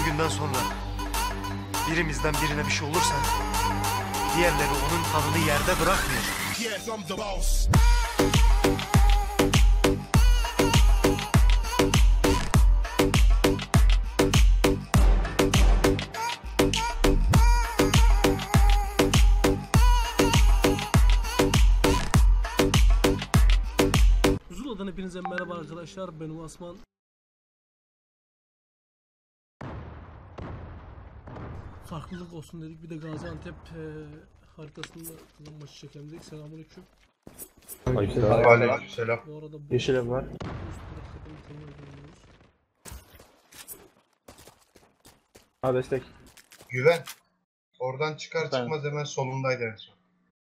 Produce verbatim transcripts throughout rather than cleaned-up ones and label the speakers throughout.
Speaker 1: bugünden sonra birimizden birine bir şey olursa diğerleri onun kanını yerde bırakmıyor.
Speaker 2: Yes, I'm the boss.
Speaker 3: Zula'dan hepinize merhaba arkadaşlar, ben Osman. Farklılık olsun dedik, bir de Gaziantep e, haritasında kızım maçı çekelim dedik. Selamünaleyküm.
Speaker 4: Aleykümselam.
Speaker 3: Bu arada bu
Speaker 4: Yeşil ev var. Ha destek.
Speaker 5: Güven. Oradan çıkar
Speaker 4: Efendim?
Speaker 5: çıkmaz hemen solundaydı en son.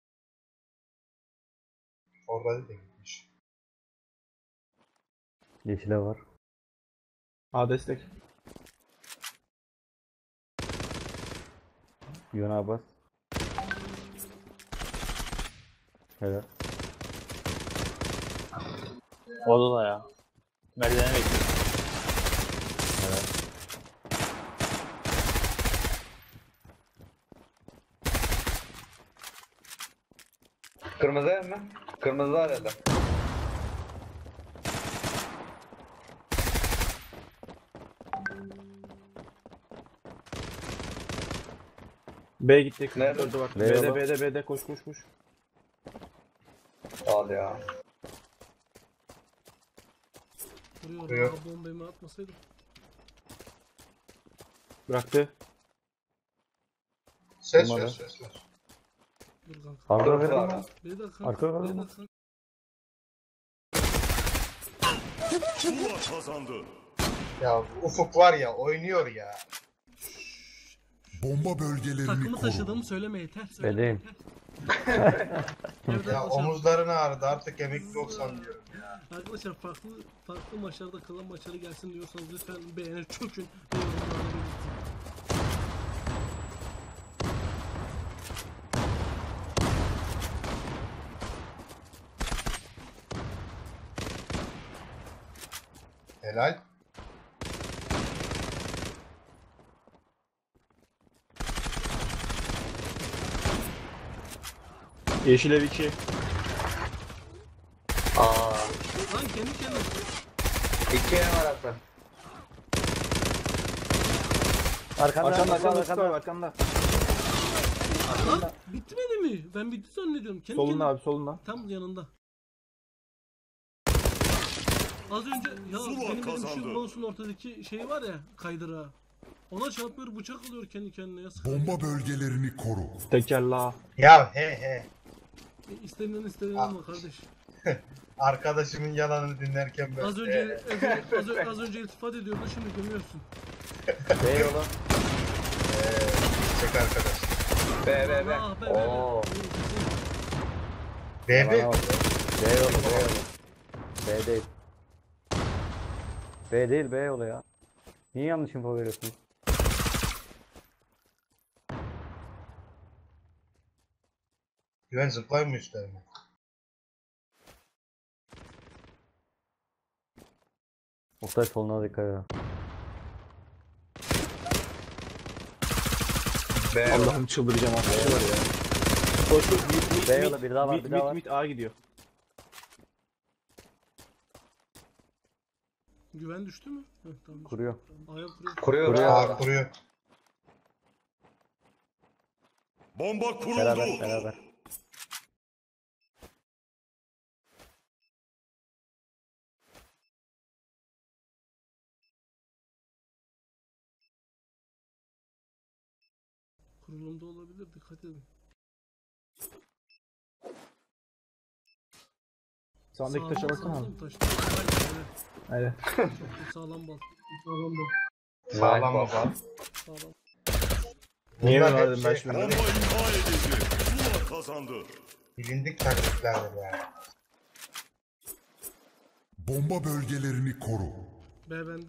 Speaker 5: Orada da gitmiş.
Speaker 6: Yeşile var.
Speaker 4: Ha destek.
Speaker 6: Yunan Abbas. Helal.
Speaker 7: Orada da ya. Merdivene bekliyor.
Speaker 6: Helal.
Speaker 8: Kırmızı ev mi? Kırmızı arada.
Speaker 4: B gitti.
Speaker 8: Nerede?
Speaker 4: Öldü bak.
Speaker 6: B
Speaker 4: B'de
Speaker 6: yola.
Speaker 4: B'de B'de koş koş koş.
Speaker 8: Al ya.
Speaker 3: Vuruyor,
Speaker 5: Vuruyor.
Speaker 3: orada bombayı atmasaydım.
Speaker 4: Bıraktı.
Speaker 5: Ses
Speaker 6: Numara.
Speaker 5: ver ses ver.
Speaker 3: Dur kanka.
Speaker 6: Arka
Speaker 8: Dur,
Speaker 6: verin
Speaker 8: var.
Speaker 6: lan.
Speaker 3: Bir dakika.
Speaker 6: Arka var
Speaker 3: Bir
Speaker 6: mı?
Speaker 3: dakika.
Speaker 2: Zula kazandı.
Speaker 5: Ya Ufuk var ya oynuyor ya.
Speaker 2: Bomba bölgelerini
Speaker 3: Takımı
Speaker 2: koru.
Speaker 3: taşıdığımı söyleme yeter. Söyleme
Speaker 6: Benim.
Speaker 3: yeter. Evet
Speaker 5: Ya
Speaker 3: arkadaşlar,
Speaker 5: omuzların ağrıdı artık emekli olsan diyorum.
Speaker 3: arkadaşlar farklı farklı maçlarda kalan maçları gelsin diyorsanız lütfen beğenir çökün ve yorumlarda belirtin.
Speaker 5: Helal.
Speaker 4: Yeşil ev iki.
Speaker 8: Aa.
Speaker 3: Lan kendi kendine.
Speaker 8: İki ev arası.
Speaker 6: Arkanda
Speaker 4: Arkanda
Speaker 6: arkanda
Speaker 4: arkanda
Speaker 6: arkanda.
Speaker 4: arkanda.
Speaker 3: Lan bitmedi mi? Ben bitti zannediyorum. Kendi
Speaker 4: Solunda
Speaker 3: kendine.
Speaker 4: abi solunda.
Speaker 3: Tam yanında. Az önce ya
Speaker 2: Zula
Speaker 3: benim benim
Speaker 2: kazandı.
Speaker 3: şu mouse'un ortadaki şey var ya, kaydırağı. Ona çarpıyor, bıçak alıyor kendi kendine ya.
Speaker 2: Bomba bölgelerini koru.
Speaker 4: Tekerla.
Speaker 5: Ya he he.
Speaker 3: E, istenilen istenilen
Speaker 5: Ah.
Speaker 3: ama kardeş.
Speaker 5: Arkadaşımın yalanını dinlerken ben.
Speaker 3: Az önce az, önce- az, önce- az önce iltifat ediyordu, şimdi gömüyorsun.
Speaker 6: B yola.
Speaker 5: Eee çek arkadaş.
Speaker 8: B B B.
Speaker 3: Ah be be be.
Speaker 8: Oo.
Speaker 5: Bebe.
Speaker 6: Bana bak. B yola B yola. B değil. B değil B yola ya. Niye yanlış info veriyorsunuz?
Speaker 5: Güven zıplayın mı üstlerine?
Speaker 6: Oktay soluna dikkat edin.
Speaker 8: B.
Speaker 4: Allah'ım çıldıracağım arkadaşlar ya. Koş koş. Mit mit
Speaker 6: B
Speaker 4: mit.
Speaker 6: yola bir daha var
Speaker 4: Mit
Speaker 6: bir daha
Speaker 4: mit
Speaker 6: var.
Speaker 4: mit A gidiyor.
Speaker 3: Güven düştü mü? Heh, tamam.
Speaker 6: Kuruyor.
Speaker 3: Aya kuruyor.
Speaker 8: Kuruyor.
Speaker 6: Kuruyor.
Speaker 8: Kuruyor.
Speaker 5: Aa kuruyor.
Speaker 2: Bomba kuruldu.
Speaker 6: Beraber beraber.
Speaker 3: Kurulumda olabilir, dikkat edin.
Speaker 4: Sağındaki taşa baksana abi.
Speaker 3: Sağlam taş. Aynen,
Speaker 4: Aynen.
Speaker 3: evet. Çok sağlam bal. Sağlam bal.
Speaker 5: Sağlam mı bak?
Speaker 3: Sağlam.
Speaker 4: Niye
Speaker 5: Bunlar
Speaker 4: mi
Speaker 5: hep
Speaker 4: verdim ben
Speaker 5: şey,
Speaker 4: şimdi?
Speaker 2: Bomba imha edildi. Zula kazandı.
Speaker 5: Bilindik taktiklerdir yani.
Speaker 2: Bomba bölgelerini koru.
Speaker 3: B bende.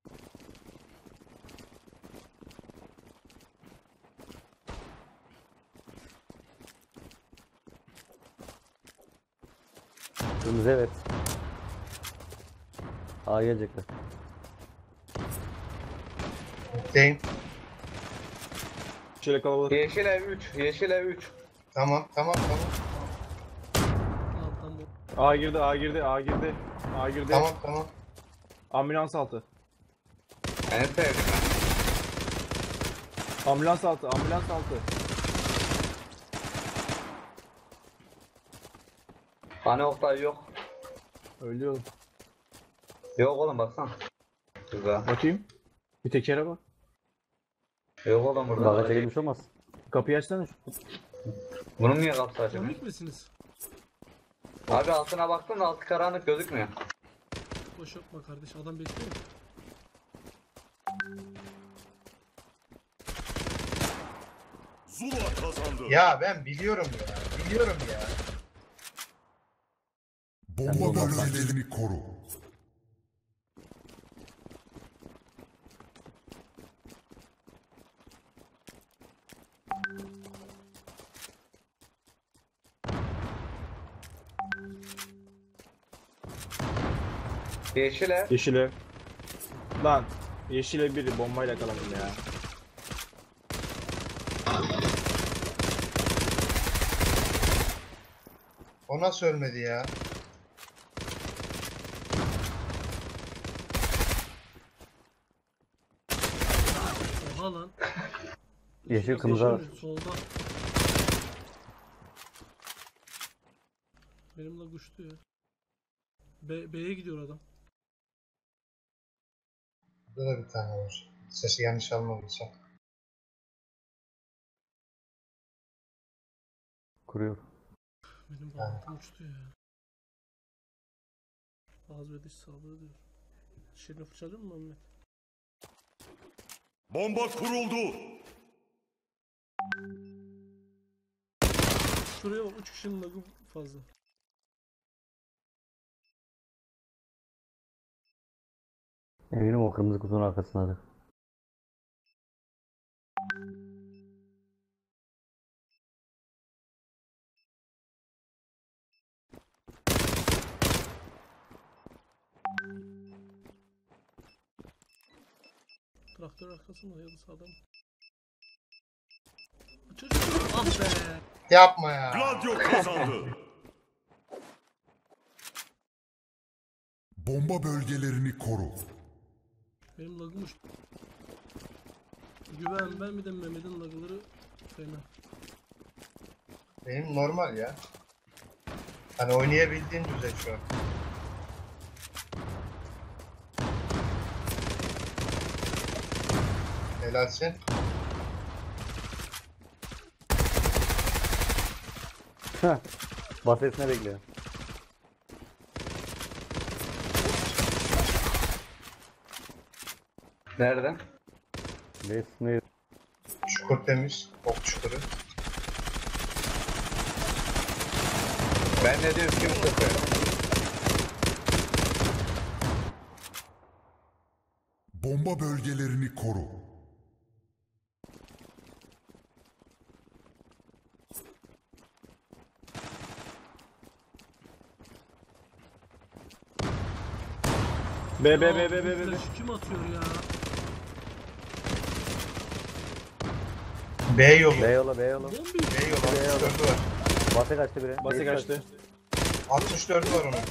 Speaker 6: Kırmızı evet. A gelecekler.
Speaker 5: Deyim.
Speaker 4: Şöyle kalabalık.
Speaker 8: Yeşil ev üç. Yeşil ev üç.
Speaker 5: Tamam tamam tamam.
Speaker 3: Alttan bu.
Speaker 4: A girdi, A girdi, A girdi. A girdi.
Speaker 5: Tamam tamam.
Speaker 4: Ambulans altı.
Speaker 8: En sevdim ben.
Speaker 4: Ambulans altı, ambulans altı.
Speaker 8: Hani Oktay yok.
Speaker 4: Ölüyorum.
Speaker 8: Yok oğlum baksana. Güzel.
Speaker 4: Bakayım. Bir tekere bak.
Speaker 8: Yok oğlum burada.
Speaker 6: Bagaja girmiş olmaz.
Speaker 4: Kapıyı açsana. şu-
Speaker 8: Bunun niye kapısı açık?
Speaker 3: Komik misiniz?
Speaker 8: Abi altına baktım da altı karanlık gözükmüyor.
Speaker 3: Boş yapma kardeş, adam bekliyor.
Speaker 2: Zula kazandı.
Speaker 5: Ya ben biliyorum ya. Biliyorum ya.
Speaker 2: Bomba bölgelerini koru.
Speaker 8: Yeşil ev.
Speaker 4: Yeşil ev. Lan. Yeşil ev biri bombayla yakaladım ya.
Speaker 5: O nasıl ölmedi ya?
Speaker 3: Oha lan.
Speaker 6: Yeşil kırmızı var.
Speaker 3: Yeşil mi? Solda. Benim lag uçtu ya. B, B'ye gidiyor adam.
Speaker 5: Burada da bir tane var. Sesi yanlış almadıysam.
Speaker 6: Kuruyor.
Speaker 3: Benim bağlantım uçtu ya. Ağız ve diş sağlığı diyor. Dişlerini fırçalıyor mu Mehmet?
Speaker 2: Bomba kuruldu.
Speaker 3: Şuraya bak, üç kişinin lagı fazla.
Speaker 6: Eminim o kırmızı kutunun arkasındadır.
Speaker 3: Traktör arkasında ya da sağda mı? Çocuk, ah be!
Speaker 5: Yapma ya.
Speaker 2: Gladio kazandı. Bomba bölgelerini koru.
Speaker 3: Benim lagım uçtu. Güven ben bir de Mehmet'in lagları fena.
Speaker 5: Benim normal ya. Hani oynayabildiğin düzey şu an. Helalsin.
Speaker 6: Basesine bekliyor.
Speaker 8: Nerede?
Speaker 6: Resmi.
Speaker 5: Çukur temiz. Ok çukuru.
Speaker 8: Ben ne diyorum kim sıkıyor?
Speaker 2: Bomba bölgelerini koru.
Speaker 4: B B B B B B.
Speaker 3: Flash kim atıyor ya?
Speaker 5: B yolu.
Speaker 6: B yola B yola.
Speaker 3: Bombi!
Speaker 5: B yolu. altmış dördü var.
Speaker 6: Base kaçtı biri.
Speaker 4: Base
Speaker 6: Base
Speaker 4: kaçtı.
Speaker 5: altmış dördü var onun.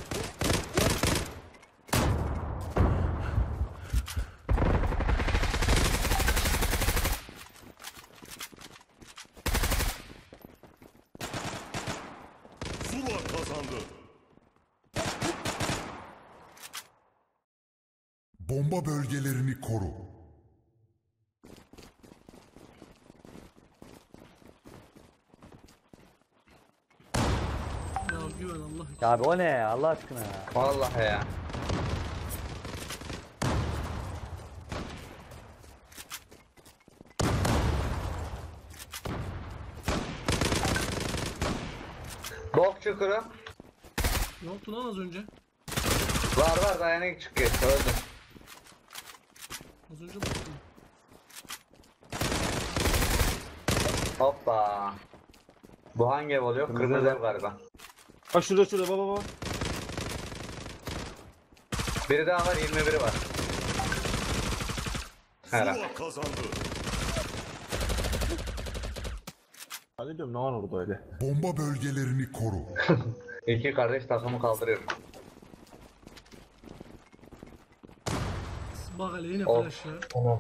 Speaker 2: Zula kazandı. Bomba bölgelerini koru.
Speaker 3: Ya güven Allah için.
Speaker 6: Ya abi o ne ya Allah aşkına ya.
Speaker 8: Vallahi ya. Bok çukuru.
Speaker 3: Ne yaptı lan az önce?
Speaker 8: Var var dayanak çıkıyor. Öldüm.
Speaker 3: Az önce baktım.
Speaker 8: Hoppa. Bu hangi ev oluyor?
Speaker 6: Kırmızı
Speaker 8: Kırmızı
Speaker 6: ev.
Speaker 8: ev galiba.
Speaker 4: Bak şurada şurada baba baba.
Speaker 8: Biri daha var, yirmi biri var. Helal.
Speaker 2: Zula kazandı.
Speaker 4: Hadi diyorum ne var orada öyle.
Speaker 2: Bomba bölgelerini koru.
Speaker 8: İki kardeş takımı kaldırıyor.
Speaker 3: Bak hele yine
Speaker 8: Of.
Speaker 3: flash ya.
Speaker 5: Tamam.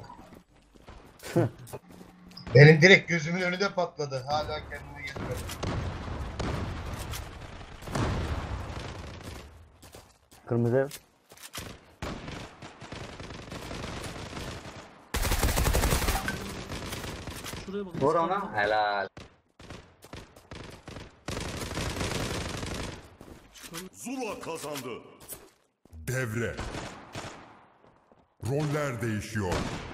Speaker 5: Benim direkt gözümün önünde patladı. Hala kendime gelmedi.
Speaker 6: Kırmızı ev.
Speaker 3: Şuraya bak.
Speaker 8: Vur ona. Helal.
Speaker 3: Çıkalım.
Speaker 2: Zula kazandı. Devre. Roller değişiyor.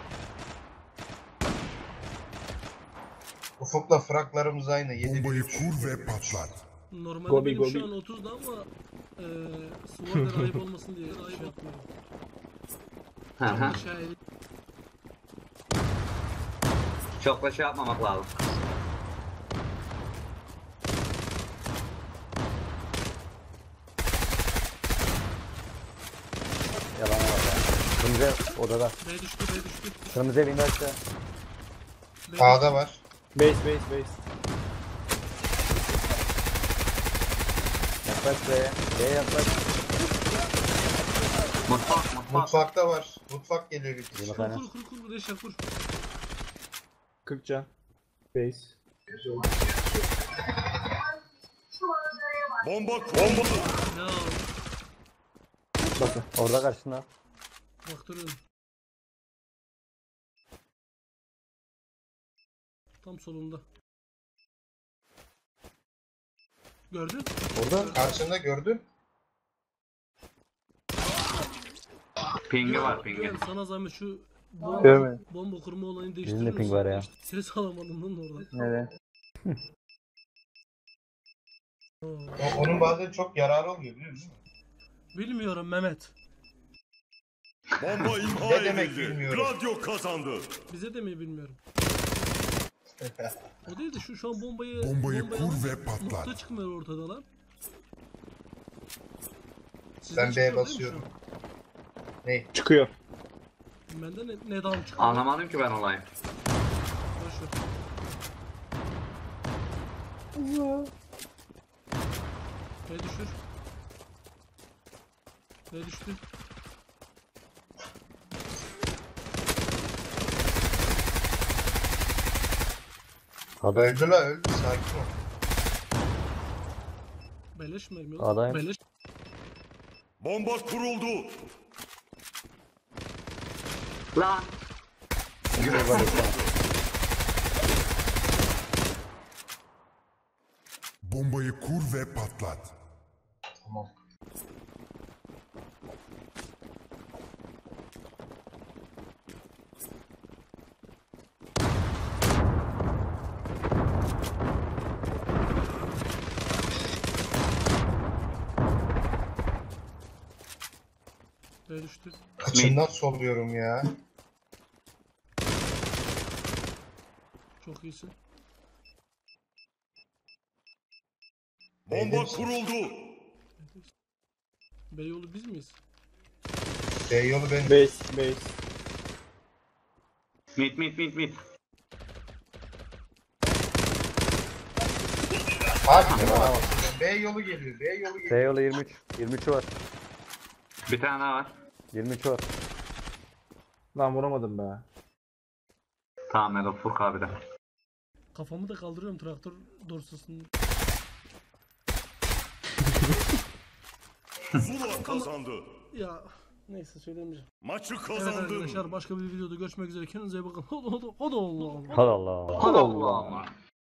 Speaker 5: Ufuk'la fraklarımız aynı. yedi
Speaker 2: Bombayı
Speaker 5: üç.
Speaker 2: kur ve patlat.
Speaker 3: Normalde
Speaker 4: Gobi,
Speaker 3: benim şu
Speaker 4: gobi.
Speaker 3: an otuzda ama eee Sword'dan ayıp olmasın diye ayıp yapmıyorum.
Speaker 8: Hı hı.
Speaker 3: Aşağıya
Speaker 8: Çok da şey yapmamak lazım.
Speaker 6: Yalan var ya. Kırmızı ev odada.
Speaker 3: B düştü B düştü.
Speaker 6: Kırmızı ev indi aşağı.
Speaker 3: B
Speaker 5: Sağda var.
Speaker 4: Base base base.
Speaker 6: Yaklaş B'ye. B'ye yaklaş.
Speaker 8: Mutfak mutfak.
Speaker 5: Mutfakta var. Mutfak geliyor bir kişi.
Speaker 6: Yemekhane.
Speaker 3: Kur kur kur kur Reşat kur.
Speaker 4: kırk can. Base.
Speaker 2: Bomba kuruldu.
Speaker 3: Ya
Speaker 4: Bakın.
Speaker 6: Orada karşında.
Speaker 3: baktırıyorum. Tam solunda. Gördün?
Speaker 6: Orada.
Speaker 5: Karşında gördün.
Speaker 8: Pingi var pingi.
Speaker 3: Güven, sana zahmet şu bomba,
Speaker 7: Görmedim.
Speaker 3: bomba kurma olayını
Speaker 6: Bizim
Speaker 3: değiştirir
Speaker 6: de ping var ya.
Speaker 3: misin? Ses alamadım lan oradan.
Speaker 7: Neden?
Speaker 5: O- onun bazen çok yararı oluyor biliyor musun?
Speaker 3: Bilmiyorum Mehmet.
Speaker 2: Bomba imha
Speaker 5: Ne demek
Speaker 2: edildi.
Speaker 5: bilmiyorum.
Speaker 2: Radyo kazandı.
Speaker 3: Bize de mi bilmiyorum. O değil de şu şu an bombayı
Speaker 2: Bombayı
Speaker 3: bombayı
Speaker 2: kur
Speaker 3: alıp
Speaker 2: ve patlat.
Speaker 3: nokta çıkmıyor ortada lan. Sizde
Speaker 5: Ben
Speaker 3: çıkıyor
Speaker 5: B'ye
Speaker 3: değil mi şu
Speaker 5: basıyorum.
Speaker 3: an?
Speaker 5: Ney?
Speaker 4: Çıkıyor.
Speaker 3: Bende ne, ne dam çıkıyor?
Speaker 8: Anlamadım ki ben olayı.
Speaker 3: Boş ver. B düşür. B düştü.
Speaker 6: Ada.
Speaker 5: Öldü la öldü. Sakin ol.
Speaker 3: Beleş mi?
Speaker 6: Adayım.
Speaker 3: Beleş.
Speaker 2: Bomba kuruldu.
Speaker 8: Lan.
Speaker 2: Bombayı kur ve patlat.
Speaker 5: Tamam.
Speaker 3: B düştü.
Speaker 5: Kaçından soluyorum ya.
Speaker 3: Çok iyisin.
Speaker 2: Bomba kuruldu.
Speaker 3: B yolu biz miyiz?
Speaker 5: B yolu benim.
Speaker 4: Base base.
Speaker 8: Mit mit mit mit.
Speaker 5: Hadi ya. B yolu geliyor. B yolu geliyor.
Speaker 6: B yolu yirmi üç. yirmi üçü var.
Speaker 8: Bir tane daha var.
Speaker 6: yirmi üçü var.
Speaker 4: Lan vuramadım be.
Speaker 8: Tamam Melo Furk abi de.
Speaker 3: Kafamı da kaldırıyorum traktör dorsasını.
Speaker 2: Zula kazandı.
Speaker 3: Ya neyse söylemeyeceğim.
Speaker 2: Maçı
Speaker 3: Evet
Speaker 2: kazandı.
Speaker 3: arkadaşlar başka bir videoda görüşmek üzere. Kendinize iyi bakın. Hadi hadi hadi Allah Allah.
Speaker 6: Hadi Allah.
Speaker 8: Allah Allah.